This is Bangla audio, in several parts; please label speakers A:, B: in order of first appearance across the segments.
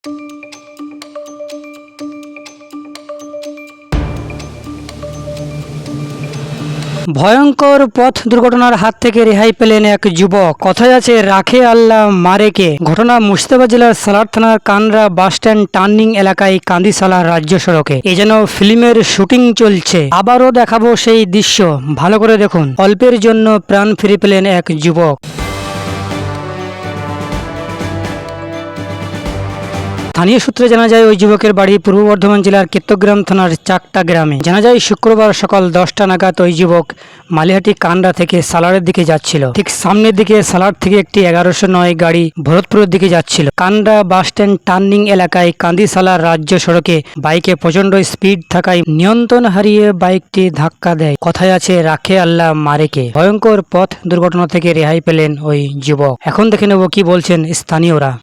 A: ভয়ঙ্কর পথ দুর্ঘটনার হাত থেকে রেহাই পেলেন এক যুবক। কথায় আছে রাখে আল্লাহ মারে কে। ঘটনা মুর্শিদাবাদ জেলার সালার থানার কানরা বাসস্ট্যান্ড টার্নিং এলাকায় কান্দিসালা রাজ্য সড়কে। এ যেন ফিল্মের শুটিং চলছে। আবারও দেখাবো সেই দৃশ্য, ভালো করে দেখুন। অল্পের জন্য প্রাণ ফিরে পেলেন এক যুবক। স্থানীয় সূত্রে জানা যায় ওই যুবকের বাড়ি পূর্ব বর্ধমান জেলার কেত্তগ্রাম থানার চাকটা গ্রামে। জানা যায় শুক্রবার সকাল 10টা নাগাদ ওই যুবক মালিহাটি কান্ডা থেকে সালারের দিকে যাচ্ছিল। ঠিক সামনের দিকে সালার থেকে একটি 1109 গাড়ি ভরতপুরের দিকে যাচ্ছিল। কান্ডা বাসস্ট্যান্ড টার্নিং এলাকায় কান্দিসালা রাজ্য সড়কে বাইকে প্রচন্ড স্পিড থাকায় নিয়ন্ত্রণ হারিয়ে বাইকটি ধাক্কা দেয়। কথায় আছে রাখে আল্লাহ মারেকে। ভয়ঙ্কর পথ দুর্ঘটনা থেকে রেহাই পেলেন ওই যুবক। এখন দেখে নেব কি বলছেন স্থানীয়রা।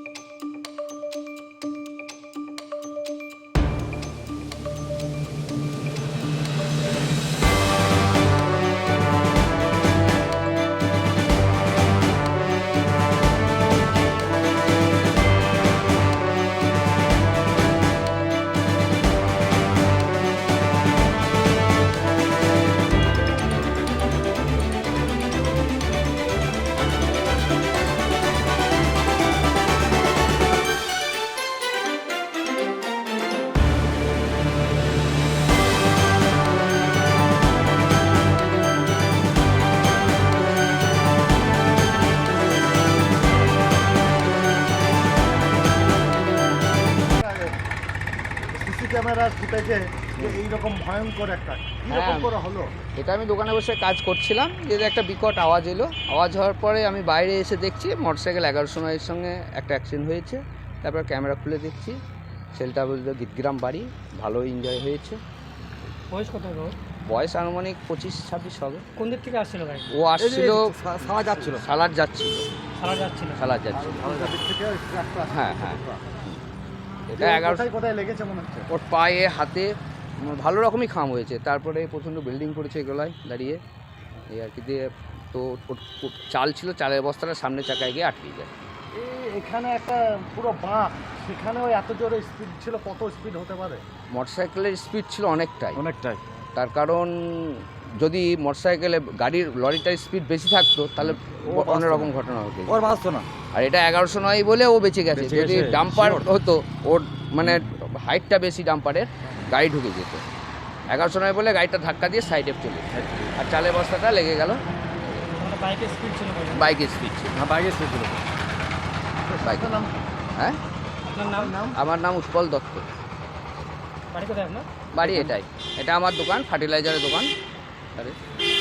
B: সিসি ক্যামেরার ফুটেজে যে এইরকম ভয়ঙ্কর একটা কিরকম করে হলো?
C: এটা আমি দোকানে বসে কাজ করছিলাম, যে একটা বিকট আওয়াজ এলো। আওয়াজ হওয়ার পরে আমি বাইরে এসে দেখছি মোটরসাইকেল 1109 সঙ্গে একটা অ্যাক্সিডেন্ট হয়েছে। তারপর ক্যামেরা খুলে দেখছি ছেলেটা বললো গীতগ্রাম বাড়ি, ভালো এনজয় হয়েছে।
A: বয়স কত?
C: বয়স আনুমানিক 25-26 হবে।
A: কোন দিক থেকে আসছিল গাড়ি?
C: ও আসছিল
B: সারা যাচ্ছিল,
C: সালার যাচ্ছিল। হ্যাঁ হ্যাঁ, এটা 11
B: কোথায় লেগেছে মনে হচ্ছে?
C: ওর পায়ে হাতে ভালো রকমই খাম হয়েছে। তারপরে প্রচণ্ড বিল্ডিং করেছে গলায় দাঁড়িয়ে এই আর কি দিয়ে। তো চাল ছিল, চালের বস্তাটা সামনে চাকায় গিয়ে আটকে যায়।
B: এখানে একটা পুরো বাঁক, সেখানেও এত জোরে স্পিড ছিল। কত স্পিড হতে পারে?
C: মোটরসাইকেলের স্পিড ছিল অনেকটাই। তার কারণ যদি মোটরসাইকেলে লরিটার স্পিড বেশি থাকতো তাহলে অন্যরকম ঘটনা হতো, ওর বাঁচতো না। আর এটা 1109 বলে ও বেঁচে গেছে। যদি ডাম্পার হতো, ওর মানে হাইটটা বেশি, ডাম্পারের গাড়ি ঢুকে যেত। 1109 বলে গাড়িটা ধাক্কা দিয়ে সাইডে চলে, আর চালের বস্তাটা লেগে গেল। বাইকের স্পিড ছিল। বাইকের স্পিড ছিল। হ্যাঁ, আমার নাম উৎপল দত্ত। বাড়ি এটাই, এটা আমার দোকান, ফার্টিলাইজারের দোকান।